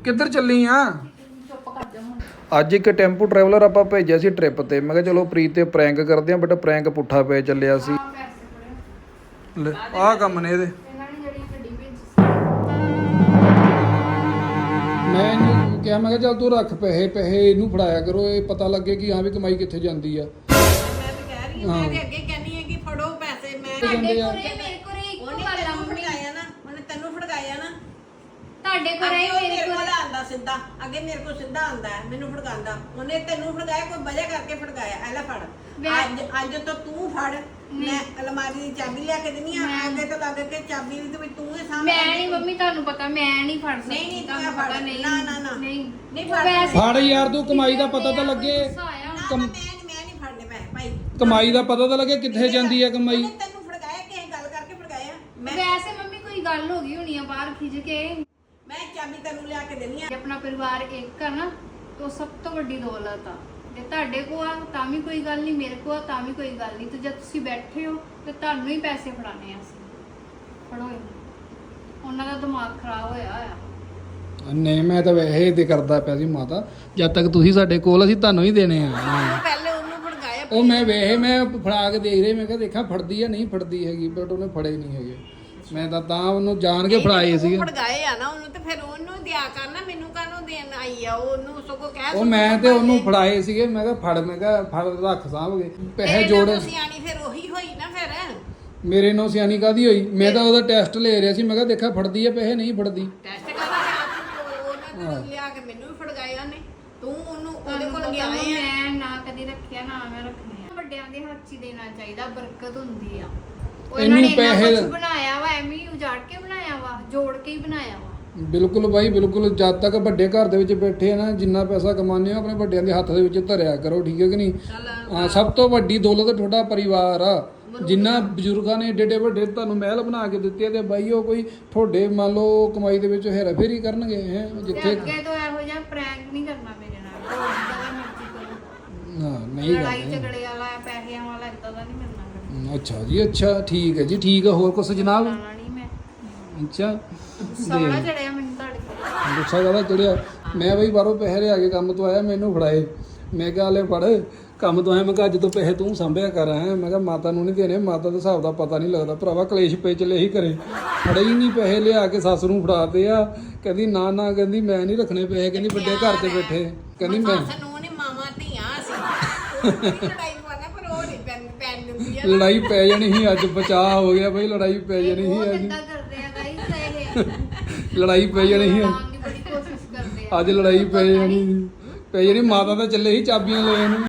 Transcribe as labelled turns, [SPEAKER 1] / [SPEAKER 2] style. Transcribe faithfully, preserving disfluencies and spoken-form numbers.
[SPEAKER 1] ਕਿੱਧਰ ਚੱਲੀ ਆ?
[SPEAKER 2] ਚੁੱਪ ਕਰ ਜਾ ਹੁਣ।
[SPEAKER 1] ਅੱਜ ਇੱਕ ਟੈਂਪੂ ਟਰੈਵਲਰ ਆਪਾਂ ਭੇਜਿਆ ਸੀ ਟ੍ਰਿਪ ਤੇ। ਮੈਂ ਕਿਹਾ ਚਲੋ ਪ੍ਰੀਤ ਤੇ ਪ੍ਰੈਂਕ ਕਰਦੇ ਆ, ਬਟ ਪ੍ਰੈਂਕ ਪੁੱਠਾ ਪੈ ਚੱਲਿਆ ਸੀ।
[SPEAKER 2] ਆਹ ਪੈਸੇ ਫੜੇ।
[SPEAKER 1] ਆਹ ਕੰਮ ਨੇ ਇਹਦੇ।
[SPEAKER 2] ਇਹਨਾਂ ਨੇ ਜਿਹੜੀ ਗੱਡੀ ਭੇਜੀ ਸੀ।
[SPEAKER 1] ਮੈਂ ਇਹਨੂੰ ਕਿਹਾ, ਮੈਂ ਕਿਹਾ ਚੱਲ ਤੂੰ ਰੱਖ ਪੈਸੇ ਪੈਸੇ ਇਹਨੂੰ ਫੜਾਇਆ ਕਰੋ, ਇਹ ਪਤਾ ਲੱਗੇ ਕਿ ਹਾਂ ਵੀ ਕਮਾਈ ਕਿੱਥੇ ਜਾਂਦੀ ਆ।
[SPEAKER 3] ਮੈਂ ਤਾਂ ਕਹਿ ਰਹੀ ਹਾਂ, ਮੈਂ ਤੇ ਅੱਗੇ ਕਹਿੰਦੀ ਹਾਂ ਕਿ ਫੜੋ ਪੈਸੇ। ਮੈਂ
[SPEAKER 2] ਤੁਹਾਡੇ
[SPEAKER 1] ਜਾਂਦੇ ਆ।
[SPEAKER 2] ਕੋਲੇ ਮੇਰੇ ਕੋਲੇ ਇੱਕੋ
[SPEAKER 3] ਉਹਨੇ
[SPEAKER 2] ਗੱਲ ਆ
[SPEAKER 3] ਤੈਨੂੰ
[SPEAKER 2] ਮੰਮੀ।
[SPEAKER 3] ਫੜਕਾਇਆ ਨਾ, ਉਹਨੇ ਤੈਨੂੰ ਫੜਕਾਇਆ ਨਾ।
[SPEAKER 2] ਤੁਹਾਡੇ ਕੋਲੇ
[SPEAKER 3] ਅੱਗੇ ਉਹ
[SPEAKER 2] ਮੇਰੇ
[SPEAKER 3] ਮੇਰੇ ਕੋਲ
[SPEAKER 2] ਕੋਲੇ
[SPEAKER 3] ਆਂਦਾ ਸਿੱਧਾ, ਅੱਗੇ ਮੇਰੇ ਕੋਲ ਸਿੱਧਾ ਆਂਦਾ ਹੈ, ਮੈਨੂੰ ਫੜਕਾਉਂਦਾ। ਉਹਨੇ ਤੈਨੂੰ ਫੜਕਾਇਆ, ਕੋਈ ਵਜ੍ਹਾ ਕਰਕੇ ਫੜਕਾਇਆ। ਐ ਲੈ ਫੜ,
[SPEAKER 2] ਮੈਂ-
[SPEAKER 3] ਅੱਜ ਅੱਜ ਤੋਂ ਤੂੰ ਫੜ। ਮੈਂ ਅਲਮਾਰੀ ਦੀ ਚਾਬੀ ਲਿਆ ਕੇ ਦਿੰਨੀ ਆ।
[SPEAKER 2] ਮੈਂ-
[SPEAKER 3] ਅੱਗੇ ਤੋਂ ਲੱਗ ਕੇ ਚਾਬੀ ਵੀ ਤੇ ਤੂੰ ਹੀ ਸਾਂਭ।
[SPEAKER 2] ਮੈਂ ਨਹੀਂ ਮੰਮੀ, ਤੁਹਾਨੂੰ ਪਤਾ ਮੈਂ ਨਹੀਂ ਫੜ ਸਕਦੀ।
[SPEAKER 3] ਨਹੀਂ, ਨਹੀਂ,
[SPEAKER 2] ਤੁਹਾਨੂੰ
[SPEAKER 3] ਤੂੰ ਫੜ।
[SPEAKER 2] ਪਤਾ ਨਹੀਂ।
[SPEAKER 3] ਨਾ, ਨਾ, ਨਾ।
[SPEAKER 2] ਨਹੀਂ
[SPEAKER 3] ਨਹੀਂ
[SPEAKER 2] ਉਹ
[SPEAKER 3] ਫੜ।
[SPEAKER 2] ਵੈਸੇ-
[SPEAKER 1] ਫੜ ਯਾਰ, ਤੂੰ ਕਮਾਈ ਦਾ ਪਤਾ ਤਾਂ ਲੱਗੇ।
[SPEAKER 2] ਗੁੱਸਾ ਆਇਆ ਹੁਣ।
[SPEAKER 3] ਨਾ,
[SPEAKER 1] ਕਮ-
[SPEAKER 3] ਮੈਂ ਨਹੀਂ ਮੈਂ ਨਹੀਂ ਫੜਨੇ ਪੈਸੇ ਭਾਈ।
[SPEAKER 1] ਕਮਾਈ ਦਾ ਪਤਾ ਤਾਂ ਲੱਗੇ ਕਿੱਥੇ ਜਾਂਦੀ ਆ ਕਮਾਈ।
[SPEAKER 3] ਉਹਨੇ ਤੈਨੂੰ ਫੜਕਾਇਆ, ਕਿਸੇ ਗੱਲ ਕਰਕੇ ਫੜਕਾਇਆ। ਮੈਂ
[SPEAKER 2] ਵੈਸੇ ਮੰਮੀ ਕੋਈ ਗੱਲ ਹੋ ਗਈ ਹੋਣੀ ਆ ਬਾਹਰ ਖਿੱਚ ਕੇ।
[SPEAKER 3] ਮੈਂ ਚਾਬੀ ਤੈਨੂੰ ਲਿਆ ਕੇ ਦੇਣੀ ਆ।
[SPEAKER 2] ਜੇ ਆਪਣਾ ਪਰਿਵਾਰ ਇੱਕ ਆ ਨਾ ਤਾਂ ਸਭ ਤੋਂ ਵੱਡੀ ਦੌਲਤ ਆ। ਜੇ ਤੁਹਾਡੇ ਕੋਲ ਆ ਤਾਂ ਵੀ ਕੋਈ ਗੱਲ ਨਹੀਂ, ਮੇਰੇ ਕੋਲ ਆ ਤਾਂ ਵੀ ਕੋਈ ਗੱਲ ਨਹੀਂ। ਤੇ ਜਦ ਤੁਸੀਂ ਬੈਠੇ ਹੋ ਤੇ ਤੁਹਾਨੂੰ ਹੀ ਪੈਸੇ ਫੜਾਣੇ ਆ ਅਸੀਂ। ਫੜੋ ਇਹਨੂੰ। ਉਹਨਾਂ ਦਾ ਦਿਮਾਗ ਖਰਾਬ ਹੋਇਆ ਆ।
[SPEAKER 1] ਨਹੀਂ, ਮੈਂ ਤਾਂ ਵੈਸੇ ਤੇ ਕਰਦਾ ਪਿਆ ਸੀ ਮਾਤਾ, ਜਦ ਤੱਕ ਤੁਸੀਂ ਸਾਡੇ ਕੋਲ ਅਸੀਂ ਤੁਹਾਨੂੰ ਹੀ ਦੇਣੇ ਆ।
[SPEAKER 3] ਪਹਿਲੇ ਉਹਨੂੰ ਫੜਕਾਇਆ।
[SPEAKER 1] ਉਹ ਮੈਂ ਵੇਖੇ ਮੈਂ ਫੜਾ ਕੇ ਦੇਖ ਰਹੀ, ਮੈਂ ਕਿਹਾ ਦੇਖਾਂ ਫੜਦੀ ਆ ਨਹੀਂ ਫੜਦੀ ਹੈਗੀ, ਬਟ ਉਹਨੇ ਫੜੇ ਨਹੀਂ ਹੈਗੇ। ਮੈਂ ਤਾਂ ਤਾਂ ਉਹਨੂੰ ਜਾਣ ਕੇ ਫੜਾਏ ਸੀਗੇ।
[SPEAKER 3] ਫੜਕਾਏ ਆ ਨਾ ਉਹਨੂੰ, ਤੇ ਫਿਰ ਉਹਨੂੰ ਦਿਆ ਕਰਨਾ, ਮੈਨੂੰ ਕਾਹਨੂੰ ਦੇਣ ਆਈ ਆ? ਉਹਨੂੰ ਸਗੋਂ ਕਹਿ
[SPEAKER 1] ਉਹ ਮੈਂ ਤੇ ਉਹਨੂੰ ਫੜਾਏ ਸੀਗੇ। ਮੈਂ ਕਿਹਾ ਫੜ, ਮੈਂ ਕਿਹਾ ਫੜ ਰੱਖ ਸਾਂਭਗੇ ਪੈਸੇ ਜੋੜੇ।
[SPEAKER 3] ਸਿਆਣੀ ਫਿਰ ਉਹੀ ਹੋਈ ਨਾ। ਫਿਰ
[SPEAKER 1] ਮੇਰੇ ਨਾਲ ਸਿਆਣੀ ਕਾਦੀ ਹੋਈ? ਮੈਂ ਤਾਂ ਉਹਦਾ ਟੈਸਟ ਲੈ ਰਿਹਾ ਸੀ। ਮੈਂ ਕਿਹਾ ਦੇਖਾ ਫੜਦੀ ਆ ਪੈਸੇ ਨਹੀਂ ਫੜਦੀ।
[SPEAKER 3] ਟੈਸਟ ਕਰਨਾ ਉਹਨੇ ਲਿਆ ਕੇ ਮੈਨੂੰ ਵੀ ਫੜਕਾਇਆ ਨੇ। ਤੂੰ ਉਹਨੂੰ ਉਹਦੇ ਕੋਲ ਗਿਆ
[SPEAKER 2] ਤੁਹਾਨੂੰ
[SPEAKER 3] ਹੈ।
[SPEAKER 2] ਮੈਂ ਨਾ ਕਦੀ ਰੱਖਿਆ ਨਾ ਮੈਂ ਰੱਖਣੇ ਆ। ਵੱਡਿਆਂ ਦੇ ਹੱਥ 'ਚ ਹੀ ਦੇਣਾ ਚਾਹੀਦਾ, ਬਰਕਤ ਹੁੰਦੀ ਆ। ਉਹ ਇਹਨਾਂ ਨੇ
[SPEAKER 1] ਇਹਨੂੰ
[SPEAKER 2] ਇੰਨਾ
[SPEAKER 1] ਪੈਸੇ-
[SPEAKER 2] ਕੁਛ ਬਣਾਇਆ ਵਾ, ਐਵੇਂ ਹੀ ਉਜਾੜ ਕੇ ਬਣਾਇਆ ਵਾ, ਜੋੜ ਕੇ ਹੀ ਬਣਾਇਆ ਵਾ।
[SPEAKER 1] ਬਿਲਕੁਲ ਬਾਈ, ਬਿਲਕੁਲ। ਜਦ ਤੱਕ ਵੱਡੇ ਘਰ ਦੇ ਵਿੱਚ ਬੈਠੇ ਆ ਨਾ, ਜਿੰਨਾ ਪੈਸਾ ਕਮਾਉਂਦੇ ਹੋ ਆਪਣੇ ਵੱਡਿਆਂ ਦੇ ਹੱਥ ਦੇ ਵਿੱਚ ਧਰਿਆ ਕਰੋ, ਠੀਕ ਹੈ ਕਿ ਨਹੀਂ? ਹਾਂ, ਸਭ ਤੋਂ ਵੱਡੀ ਦੌਲਤ ਤੁਹਾਡਾ ਪਰਿਵਾਰ ਆ। ਜਿੰਨਾ ਬਜ਼ੁਰਗਾਂ ਨੇ ਏਡੇ ਏਡੇ ਵੱਡੇ ਤੁਹਾਨੂੰ ਮਹਿਲ ਬਣਾ ਕੇ ਦਿੱਤੇ, ਤੇ ਬਾਈ ਉਹ ਕੋਈ ਤੁਹਾਡੇ ਮੰਨ ਲਓ ਕਮਾਈ ਦੇ ਵਿੱਚ ਹੇਰਾ ਫੇਰੀ ਕਰਨਗੇ ਹੈ
[SPEAKER 2] ਤੇ
[SPEAKER 1] ਜਿੱਥੇ।
[SPEAKER 2] ਅੱਗੇ ਤੋਂ ਇਹੋ ਜਿਹਾ ਪ੍ਰੈਂਕ ਨਹੀਂ ਕਰਨਾ ਮੇਰੇ ਨਾਲ। ਜੋ ਜਿੱਦਾਂ ਦਾ ਮਰਜ਼ੀ ਕਰੋ।
[SPEAKER 1] ਹਾਂ, ਨਹੀਂ
[SPEAKER 2] ਲੜਾਈ
[SPEAKER 1] ਕਰਦੇ।
[SPEAKER 2] ਝਗੜੇ ਵਾਲਾ, ਪੈਸਿਆਂ ਵਾਲਾ ਇਦਾਂ ਦਾ ਨਹੀਂ ਕਰਨਾ ਕਰਨਾ।
[SPEAKER 1] ਅੱਛਾ ਜੀ, ਅੱਛਾ, ਠੀਕ ਹੈ ਜੀ, ਠੀਕ ਹੈ। ਹੋਰ ਕੁਛ ਜਨਾਬ?
[SPEAKER 2] ਲਾਣਾ ਨਹੀਂ ਮੈਂ।
[SPEAKER 1] ਅੱਛਾ,
[SPEAKER 2] ਸੌਣਾ ਚੜਿਆ ਮੈਨੂੰ ਤੁਹਾਡੇ ਕੋਲ।
[SPEAKER 1] ਗੁੱਸਾ ਜ਼ਿਆਦਾ ਚੜਿਆ। ਮੈਂ ਬਈ ਬਾਹਰੋਂ ਪੈਸੇ ਲਿਆ ਕੇ ਕੰਮ ਤੋਂ ਆਇਆ, ਮੈਨੂੰ ਫੜਾਏ। ਮੈਂ ਕਿਹਾ ਲੈ ਫੜ, ਕੰਮ ਤੋਂ ਆਇਆ। ਮੈਂ ਕਿਹਾ ਅੱਜ ਤੋਂ ਪੈਸੇ ਤੂੰ ਸੰਭਿਆ ਕਰ। ਹੈ ਮੈਂ ਕਿਹਾ ਮਾਤਾ ਨੂੰ ਨਹੀਂ ਦੇਣੇ, ਮਾਤਾ ਦੇ ਹਿਸਾਬ ਦਾ ਪਤਾ ਨਹੀਂ ਲੱਗਦਾ ਭਰਾਵਾ। ਕਲੇਸ਼ ਪੇ ਚਲੇ ਹੀ ਕਰੇ, ਫੜੇ ਹੀ ਨਹੀਂ ਪੈਸੇ, ਲਿਆ ਕੇ ਸੱਸ ਨੂੰ ਫੜਾਤੇ ਆ। ਕਹਿੰਦੀ ਨਾ ਨਾ, ਕਹਿੰਦੀ ਮੈਂ ਨਹੀਂ ਰੱਖਣੇ ਪੈਸੇ, ਕਹਿੰਦੀ ਵੱਡੇ ਘਰ ਤੇ ਬੈਠੇ, ਕਹਿੰਦੀ ਮੈਂ।
[SPEAKER 3] ਸਾਨੂੰ ਨੇ ਮਾਮਾ ਧੀਆਂ ਸੀ। ਲੜਾਈ ਵਾਲਾ ਪਰ ਉਹ ਨਹੀਂ ਪੈਨ ਪੈਨ ਦਿੰਦੀ ਆ।
[SPEAKER 1] ਲੜਾਈ ਪੈ ਜਾਣੀ ਸੀ ਅੱਜ, ਬਚਾਅ ਹੋ ਗਿਆ ਬਈ, ਲੜਾਈ ਪੈ ਜਾਣੀ
[SPEAKER 2] ਉਹ
[SPEAKER 1] ਸੀ ਅੱਜ।
[SPEAKER 2] ਕਿੱਦਾਂ ਕਰਦੇ ਆ ਗਾਈਸ ਇਹ?
[SPEAKER 1] ਲੜਾਈ ਪੈ ਜਾਣੀ ਸੀ
[SPEAKER 2] ਲੜਾਉਣ ਦੀ ਬੜੀ ਕੋਸ਼ਿਸ਼ ਕਰਦੇ ਆ।
[SPEAKER 1] ਅੱਜ, ਲੜਾਈ ਪੈ ਜਾਣੀ ਸੀ। ਪੈ ਜਾਣੀ। ਮਾਤਾ ਤਾਂ ਚੱਲੇ ਸੀ ਚਾਬੀਆਂ ਲੈਣ ਨੂੰ।